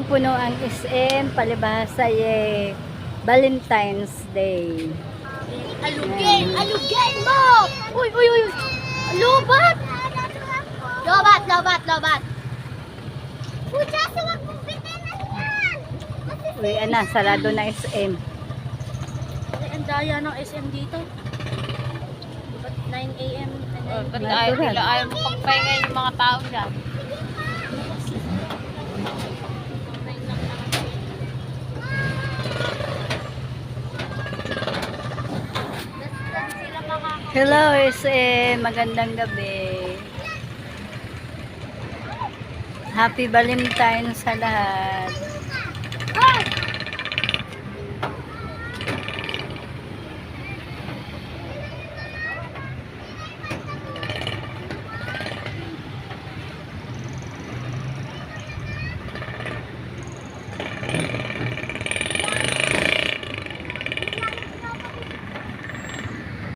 punong-puno ang SM, palibhasa Valentine's Day. Alugin! Alugin mo! Uy, uy, uy! Lobat! Lobat, lobat, lobat! Pucha, suwag mong bitinan yan! Uy, sarado na SM. Ay, ang daya ng SM dito. Ba't 9 a.m. Ba't ayaw mo pagpahinga yung mga tao dyan? Hello SM, magandang gabi. Happy Valentine's sa lahat.